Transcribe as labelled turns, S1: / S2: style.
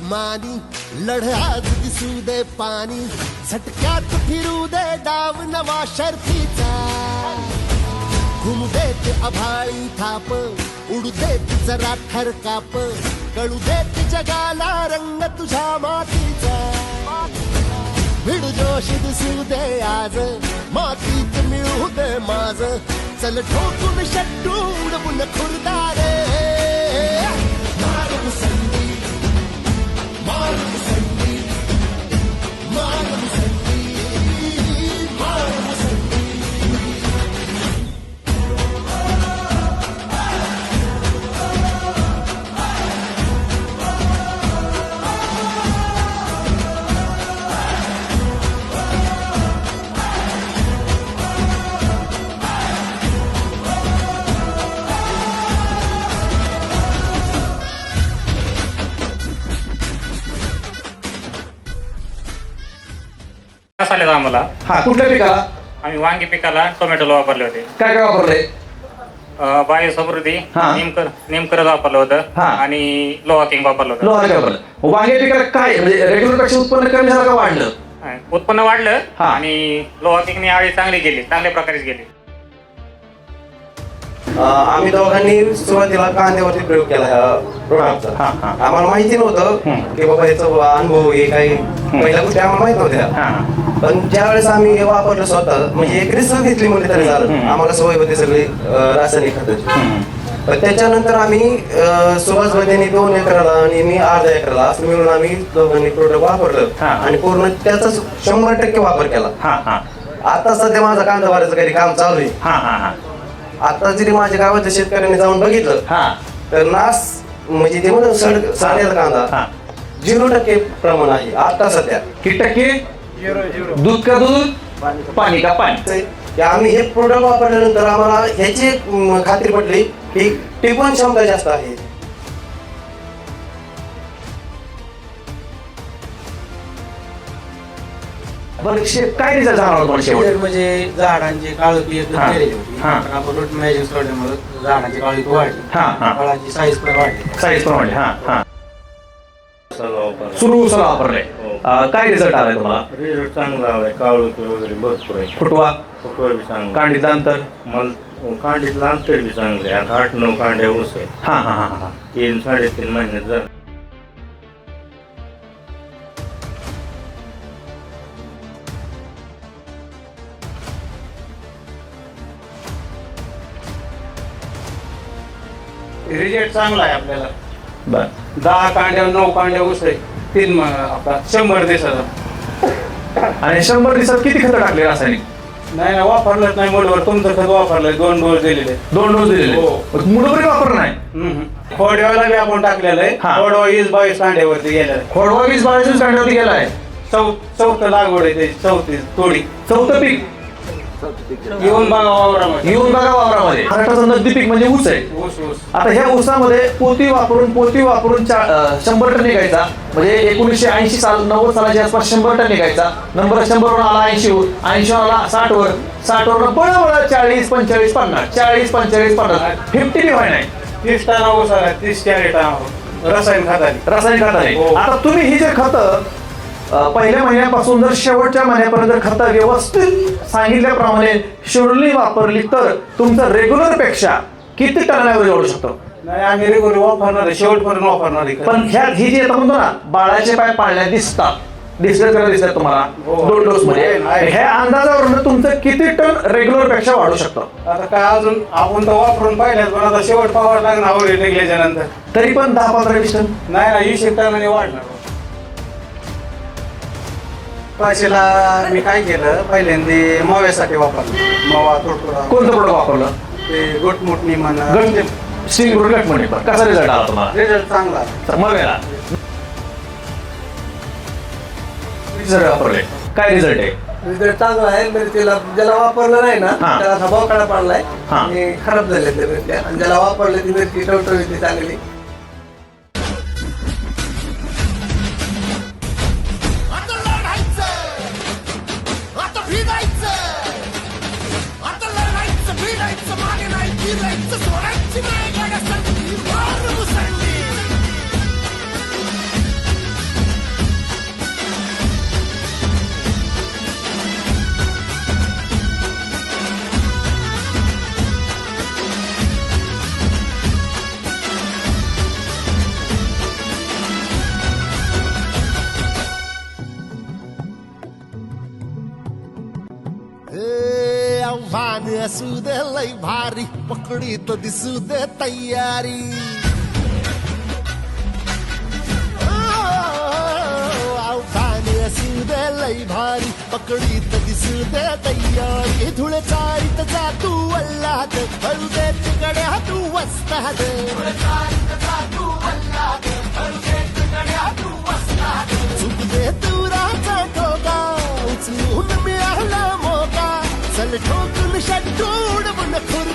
S1: दुश्मनी लढ आज दिसू दे पाणी झटक्यात फिरू दे डाव नवा शर्फीचा घुमू देत अभाळी थाप उडू देत जरा थरकाप कळू देत जगाला रंग तुझ्या मातीचा भिड जोश दिसू दे आज मातीत मिळू दे माझ चल ठोकून शट्टू उडवून खुरदारे मार मुसंडी मार मुसंडी मार मुसंडी मार मुसंडी
S2: आले आम्हाला.
S3: हा, कुठल्या पिकाला?
S2: आम्ही वांगी पिकाला टोमॅटोला वापरले होते.
S3: काय काय वापरले?
S2: बायो समृद्धी
S3: हा.
S2: नेमकरच वापरलं होतं
S3: हा.
S2: आणि लोहा किंग वापरलं होतं.
S3: लोहा वापरलं. वांगी पिकाला काय म्हणजे रेग्युलर पेक्षा उत्पन्न कमी झालं का वाढलं?
S2: उत्पन्न वाढलं
S3: हा.
S2: आणि लोहा किंगने आळी चांगली गेली, चांगल्या प्रकारे गेली.
S4: आम्ही दोघांनी सुरुवातीला कांद्यावरती प्रयोग केला ह्या प्रोडक्टचा. आम्हाला माहिती नव्हतं की बाबा याचा अनुभव हे काही पहिल्या गोष्टी आम्हाला माहित नव्हत्या. पण ज्या वेळेस आम्ही हे वापरलं स्वतः म्हणजे एक रिसर्च घेतली म्हणजे तरी झालं. आम्हाला सवय होती सगळी रासायनिक खताची. पण त्याच्यानंतर आम्ही सुभाष भाईंनी 2 एकराला आणि मी अर्धा एकराला असं मिळून आम्ही दोघांनी प्रोडक्ट वापरलं आणि पूर्ण त्याचा 100% वापर केला. आता सध्या माझा कांदा भरायचं काही काम चालू आहे. आता जरी माझ्या गावाच्या शेतकऱ्यांनी जाऊन बघितलं तर नास म्हणजे ते म्हणून साडेल कांदा 0% प्रमाण आहे आता सध्या.
S3: किती टक्के? 0 दूध का दूध, पाणी का पाणी.
S4: आम्ही हे प्रोडक्ट वापरल्यानंतर आम्हाला ह्याची खात्री पडली की टिकवण क्षमता जास्त आहे.
S3: बरं काय रिझल्ट झाला होता शेवट?
S5: म्हणजे झाडांची काळोखी एकदम केलेली होती. आपण रूट मॅजिक सोडल्यामुळे झाडांची काळोखी वाढली, फळाची साईज पण वाढली.
S3: साईज प्रमाणे सुरू उसाला वापरले. काय रिझल्ट आलाय तुम्हाला?
S6: रिझल्ट चांगला आलाय. काळोखी वगैरे भरपूर आहे.
S3: फुटवा
S6: बी चांगला.
S3: कांडीचं अंतर?
S6: मला कांडीतलं अंतर बी चांगलं आहे. आता 8-9 कांड्या ऊस आहे. 3-3.5 महिन्यात झालं.
S5: रिजल्ट चांगला आहे आपल्याला.
S3: बर
S5: 10 कांड्या 9 कांड्या ऊस आहे. 3 आपला 100 दिवसाचा.
S3: आणि 100 दिवसात किती खत टाकले रासायनिक?
S5: नाही ना वापरलंच नाही. मुळवर तुमचं खत वापरलंय. 2 डोस दिलेले.
S3: 2 डोस दिलेले. मुळभरी वापर नाही.
S5: खोडव्याला बी आपण टाकलेलं आहे. खोडवा 22 कांड्यावरती गेलेला आहे.
S3: खोडवा 22 कांड्यावरती गेलाय.
S5: चौथं लागवड आहे त्याची.
S3: चौथं पीक
S5: येऊन बघा वावरामध्ये.
S3: महाराष्ट्राचं नगदी पीक म्हणजे ऊस आहे.
S5: ऊस.
S3: आता ह्या ऊसामध्ये पोती वापरून 100 टन निघायचा. म्हणजे 1980 साल 90 सालाच्या आसपास 100 टन निघायचा. नंबर 100 वरून आला 80 वर, 80 आला 60 वर, 60 वर बळबळ 40, 45, 50, 40, 45, 50, 50 बी व्हाय नाही.
S5: 30 टन ऊस आला. 30-40 टन रासायनिक खताने.
S3: आता तुम्ही ही जे खत पहिल्या महिन्यापासून जर शेवटच्या महिन्यापर्यंत जर खत व्यवस्थित सांगितल्याप्रमाणे शेड्यूलनी वापरली तर तुमचं रेग्युलर पेक्षा किती टनावर एवढू शकतो?
S5: नाही आम्ही रेग्युलर वापरणार आहे. शेवटपर्यंत वापरणार आहे.
S3: पण ह्यात ही जी आता म्हणतो ना बाळाचे पाय पाळल्या दिसतात तुम्हाला 2 डोस मध्ये. ह्या अंदाजावरून तुमचं किती टन रेग्युलर पेक्षा वाढू शकतं?
S5: आता काय अजून आपण तर वापरून पाहिल्यात पण आता शेवट पाहावं लागणार निघल्याच्या नंतर.
S3: तरी पण 10-15-20 टन
S5: नाही ना 20 टनाने वाढणार. पाशीला मी काय केलं पहिल्यांदा मव्यासाठी वापरलं. मवा तुडतुडा.
S3: कोणतं प्रोडक्ट वापरलं?
S5: ते गोटमुटणी म्हणा.
S3: स्टिंग प्रोडक्ट म्हणजे कसा रिझल्ट आला तुम्हाला?
S5: रिझल्ट चांगला.
S3: मग वापरले काय रिझल्ट आहे?
S7: रिझल्ट चांगला आहे. मिरचीला ज्याला वापरलं नाही ना त्याला धबावकाळा पडलाय आणि खराब झाले ते मिरच्या. आणि ज्याला वापरले ती मिरची टवटवीत चांगली.
S1: सोडायची नाही. असू दे लय भारी पकडीत दिसू दे तयारी अवघान असू दे लय भारी पकडीत दिसू दे तयारी धुळे चाळीत जा तू अल्लाद हळू दे तिकड्या तू वस्ताद चुक दे तुराचा ठोका उचलून मिळाला मोका चल ठोकून षड्डूड बुन खुर